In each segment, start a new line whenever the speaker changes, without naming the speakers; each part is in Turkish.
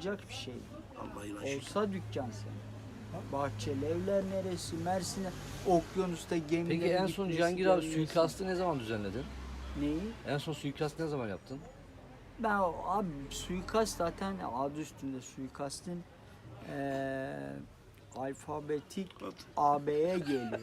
olacak bir şey değil.
Allah'ına şükür.
Olsa dükkan senin. Bahçeli evler neresi? Mersin'e, okyanusta gemilerin
Peki en son
gitmesi,
Cihangir abi
gelmesi.
suikastı ne zaman düzenledin?
Neyi?
En son suikastı ne zaman yaptın?
Ben abi suikast zaten adı üstünde suikastin alfabetik AB'ye geliyor.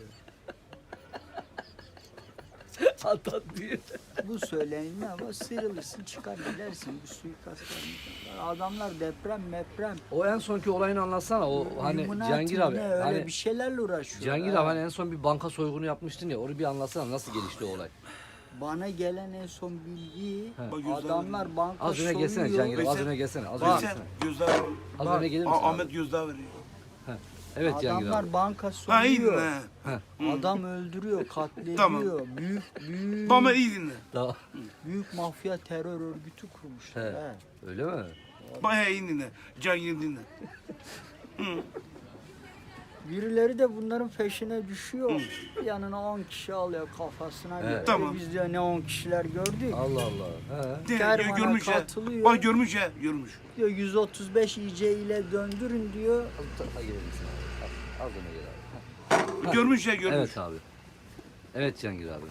Atat diye.
Bu söylenilme ama sıyrılırsın çıkar gidersin bu suikastlar. Adamlar deprem.
O en sonki olayını anlatsana. O hani
Illuminati
Cihangir abi.
ne, öyle
Hani
bir şeylerle uğraşıyor.
Cihangir
ha.
abi hani en son bir banka soygunu yapmıştın ya. Onu bir anlatsana nasıl gelişti o olay.
Bana gelen en son bilgi
He.
Bak gözler
adamlar banka
Az öne gelsene
soyuyor.
Cihangir abi. Az
Veysel,
öne gelsene. Az öne
Veysel
gelsene.
gözdağı veriyor.
Az öne gelir misin
Ahmet
abi?
gözdağı veriyor.
Evet Cihangir abi.
Adamlar banka
Ha iyi
soyuyor.
dinle.
Adam öldürüyor, katlediyor.
Tamam.
Büyük
Baba iyi dinle.
Daha.
büyük mafya terör örgütü kurmuşlar.
He.
He.
Öyle mi?
Bayağı iyi dinle. Cihangir dinle.
Birileri de bunların peşine düşüyor. Yanına 10 kişi alıyor kafasına göre.
Tamam.
Biz de ne 10 kişiler gördük.
Allah Allah. He.
De,
Kervana
görmüş ya.
katılıyor.
Bak görmüş ya. Görmüş.
Diyor 135 IC ile döndürün diyor.
Az bu tarafa gelir misin abi? Az öne gel abi.
Görmüş ya görmüş.
Evet abi. Evet Cihangir abi.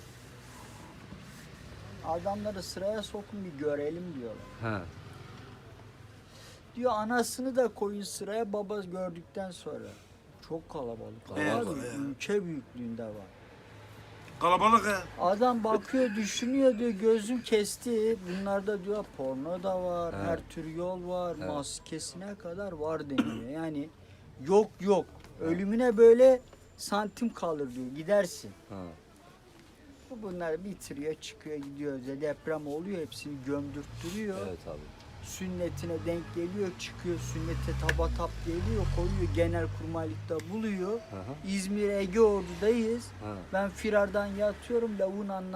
Adamları sıraya sokun bir görelim diyorlar.
He.
Diyor anasını da koyun sıraya baba gördükten sonra. Çok kalabalık.
Evet,
Abi,
evet.
ülke büyüklüğünde var.
Kalabalık ha.
Adam bakıyor düşünüyor diyor gözüm kesti. Bunlarda diyor porno da var,
Evet.
her tür yol var,
Evet.
maskesine kadar var deniyor. Yani yok. Ölümüne böyle santim kalır diyor gidersin.
Ha.
Bunlar bitiriyor çıkıyor gidiyor. Deprem oluyor hepsini gömdürttürüyor.
Evet abi.
Sünnetine denk geliyor çıkıyor sünnete tabatap geliyor koyuyor genelkurmaylıkta buluyor.
Hı hı.
İzmir Ege Ordu'dayız.
Ha.
Ben firardan yatıyorum lavuğun